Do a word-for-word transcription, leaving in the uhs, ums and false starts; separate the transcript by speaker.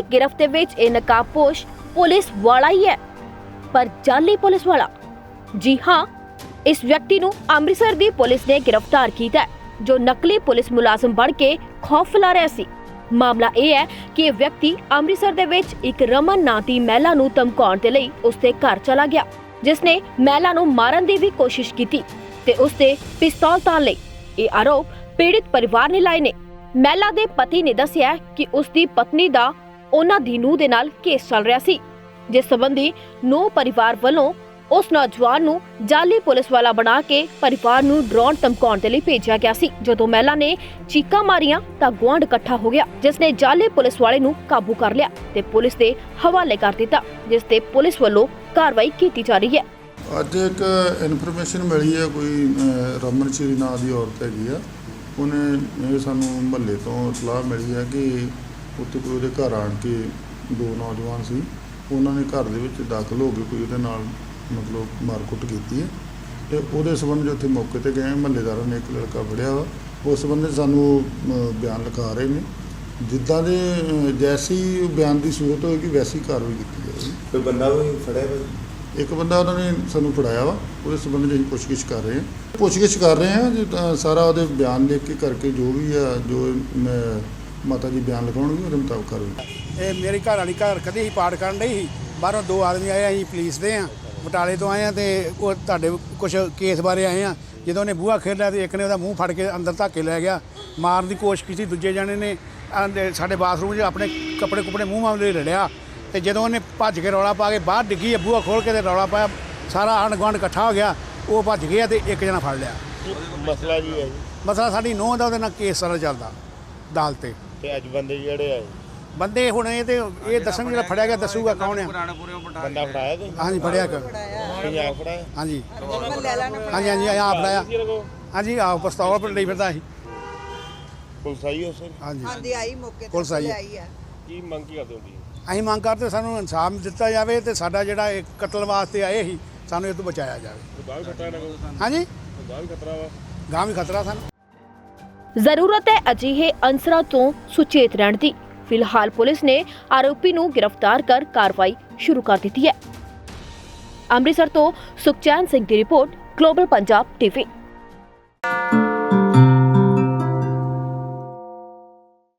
Speaker 1: गिरफ्त दे विच इह नकाबपोश पुलिस वाला ही है, पर जाली पुलिस वाला। जी हाँ, इस व्यक्ति नूं अमृतसर दी पुलिस ने गिरफ्तार कीता है, जो नकली पुलिस मुलाजम बन के खौफ फैला रहा सी। मामला यह है कि यह व्यक्ति अमृतसर दे विच एक रमन नां दी महिला नूं धमकाउण दे लई उसदे घर चला गया, जिसने महिला नूं मारन दी भी कोशिश कीती ते उसते पिस्तौल ताण लई। यह आरोप पीड़ित परिवार ने लाए ने। महिला दे पति ने दस्सिया कि उसदी पत्नी दा उन्हां दी नूंह दे नाल केस चल रहा सी, जिस संबंधी नूंह परिवार वालों उस नौजवान नूं जाली पुलिस वाला बना के परिवार नूं डराउण धमकाउण दे लई भेजिया गया सी। जदों महिला ने चीकां मारियां तां गुआंढ इकट्ठा हो गया, जिसने जाली पुलिस वाले नूं काबू कर लिया ते पुलिस दे हवाले कर दिता, जिस ते पुलिस वालों कार्रवाई की जा रही है।
Speaker 2: ਅੱਜ ਇੱਕ ਇਨਫੋਰਮੇਸ਼ਨ ਮਿਲੀ ਹੈ, ਕੋਈ ਰਮਨ ਸ਼੍ਰੀ ਨਾਂ ਦੀ ਔਰਤ ਹੈਗੀ ਆ, ਉਹਨੇ ਇਹ ਸਾਨੂੰ ਮੁਹੱਲੇ ਤੋਂ ਸਲਾਹ ਮਿਲੀ ਹੈ ਕਿ ਉੱਥੇ ਕੋਈ ਉਹਦੇ ਘਰ ਆਣ ਕੇ ਦੋ ਨੌਜਵਾਨ ਸੀ, ਉਹਨਾਂ ਨੇ ਘਰ ਦੇ ਵਿੱਚ ਦਾਖਲ ਹੋ ਕੇ ਕੋਈ ਉਹਦੇ ਨਾਲ ਮਤਲਬ ਮਾਰਕੁੱਟ ਕੀਤੀ ਹੈ ਤੇ ਉਹਦੇ ਸੰਬੰਧ 'ਚ ਉੱਥੇ ਮੌਕੇ 'ਤੇ ਗਏ। ਮੁਹੱਲੇਦਾਰਾਂ ਨੇ ਇੱਕ ਲੜਕਾ ਫੜਿਆ ਵਾ, ਉਸ ਸੰਬੰਧ ਸਾਨੂੰ ਬਿਆਨ ਲਿਖਾ ਰਹੇ ਨੇ। ਜਿੱਦਾਂ ਦੇ ਜੈਸੀ ਬਿਆਨ ਦੀ ਸੂਰਤ ਹੋਏਗੀ ਵੈਸੀ ਕਾਰਵਾਈ ਕੀਤੀ ਜਾਏਗੀ।
Speaker 3: ਕੋਈ ਬੰਦਾ ਵੀ ਫੜਿਆ ਵਾ?
Speaker 2: ਇੱਕ ਬੰਦਾ ਉਹਨਾਂ ਨੇ ਸਾਨੂੰ ਫੜਾਇਆ ਵਾ, ਉਹਦੇ ਸੰਬੰਧ 'ਚ ਅਸੀਂ ਪੁੱਛਗਿੱਛ ਕਰ ਰਹੇ ਹਾਂ ਪੁੱਛਗਿੱਛ ਕਰ ਰਹੇ ਹਾਂ ਜੀ, ਤਾਂ ਸਾਰਾ ਉਹਦੇ ਬਿਆਨ ਲਿਖ ਕੇ ਕਰਕੇ ਜੋ ਵੀ ਆ ਜੋ ਮਾਤਾ ਜੀ ਬਿਆਨ ਲਿਖਾਉਣਗੇ ਉਹਦੇ ਮੁਤਾਬਕ ਕਰਵਾਂਗੇ।
Speaker 4: ਇਹ ਮੇਰੀ ਘਰ ਵਾਲੀ ਘਰ ਕਦੇ ਹੀ ਪਾਠ ਕਰਨ ਡਈ ਸੀ, ਬਾਹਰੋਂ ਦੋ ਆਦਮੀ ਆਏ, ਅਸੀਂ ਪੁਲਿਸ ਦੇ ਆ ਬਟਾਲੇ ਤੋਂ ਆਏ ਆ ਤੇ ਉਹ ਤੁਹਾਡੇ ਕੁਝ ਕੇਸ ਬਾਰੇ ਆਏ ਆ। ਜਦੋਂ ਉਹਨੇ ਬੂਹਾ ਖੇਡਿਆ ਤੇ ਇੱਕ ਨੇ ਉਹਦਾ ਮੂੰਹ ਫੜ ਕੇ ਅੰਦਰ ਧੱਕੇ ਲੈ ਗਿਆ, ਮਾਰਨ ਦੀ ਕੋਸ਼ਿਸ਼ ਕੀਤੀ। ਦੂਜੇ ਜਾਣੇ ਨੇ ਸਾਡੇ ਬਾਥਰੂਮ 'ਚ ਆਪਣੇ ਕੱਪੜੇ ਕੁਪੜੇ ਮੂੰਹ ਮਾਮਲੇ ਰੜਿਆ ਤੇ ਜਦੋਂ ਉਹਨੇ ਭੱਜ ਕੇ ਰੌਲਾ ਪਾ ਕੇ ਬਾਹਰ ਡਿੱਗੀ, ਬੂਹਾ ਖੋਲ੍ਹ ਕੇ ਤੇ ਰੌਲਾ ਪਾਇਆ, ਸਾਰਾ ਆਂਢ ਗੁਆਂਢ ਇਕੱਠਾ ਹੋ ਗਿਆ, ਉਹ ਭੱਜ ਗਿਆ ਤੇ ਇੱਕ ਜਣਾ ਫੜ ਲਿਆ।
Speaker 3: ਮਸਲਾ ਕੀ ਹੈ ਜੀ?
Speaker 4: ਮਸਲਾ ਸਾਡੀ ਨੂੰਹ ਦਾ ਉਹਦੇ ਨਾਲ ਕੇਸ ਸਾਰਾ ਚੱਲਦਾ ਅਦਾਲਤ 'ਤੇ।
Speaker 3: ਤੇ ਅੱਜ ਬੰਦੇ ਜਿਹੜੇ ਆਏ
Speaker 4: ਬੰਦੇ ਹੁਣ ਇਹ ਤੇ ਇਹ ਦੱਸਣ ਜਿਹੜਾ ਫੜਿਆ ਗਿਆ ਦੱਸੂਗਾ ਕੌਣ ਆ।
Speaker 3: ਬੰਦਾ ਫੜਾਇਆ ਤੁਸੀਂ?
Speaker 4: ਹਾਂਜੀ ਫੜਿਆ ਕਰ
Speaker 3: ਪੰਜਾਬ ਫੜਾਇਆ?
Speaker 4: ਹਾਂਜੀ ਹਾਂਜੀ ਹਾਂਜੀ ਆਪ ਫੜਾਇਆ। ਹਾਂਜੀ ਆਹ ਪਿਸਤੌਲ ਪਰ ਲਈ ਫਿਰਦਾ ਸੀ।
Speaker 3: ਪੁਲਿਸ ਆਈ ਉਸ?
Speaker 4: ਹਾਂਜੀ
Speaker 5: ਹਾਂਜੀ ਆਈ ਮੌਕੇ ਤੇ
Speaker 4: ਪੁਲਿਸ ਆਈ
Speaker 5: ਆ।
Speaker 3: ਕੀ ਮੰਗ ਕੀ ਕਰਦੇ ਹੋ ਜੀ?
Speaker 4: ਅਸੀਂ ਮੰਗ ਕਰਦੇ ਸਾਨੂੰ ਇਨਸਾਫ ਦਿੱਤਾ ਜਾਵੇ ਤੇ ਸਾਡਾ ਜਿਹੜਾ ਇਹ ਕਤਲ ਵਾਸਤੇ ਆਏ ਸੀ ਸਾਨੂੰ ਇਹ ਤੋਂ ਬਚਾਇਆ ਜਾਵੇ।
Speaker 3: ਗਾਂ ਵੀ ਖਤਰਾ ਨਾ ਕੋਈ?
Speaker 4: ਹਾਂਜੀ
Speaker 3: ਗਾਂ ਵੀ ਖਤਰਾ ਵਾ?
Speaker 4: ਗਾਂ ਵੀ ਖਤਰਾ ਸਾਨੂੰ।
Speaker 1: ਜ਼ਰੂਰਤ ਹੈ ਅਜਿਹੇ ਅੰਸਰਾਂ ਤੋਂ ਸੁਚੇਤ ਰਹਿਣ ਦੀ। ਫਿਲਹਾਲ ਪੁਲਿਸ ਨੇ ਆਰੋਪੀ ਨੂੰ गिरफ्तार कर कार्रवाई शुरू कर दी है। अमृतसर तो सुखचैन सिंह की रिपोर्ट, ग्लोबल पंजाब टीवी।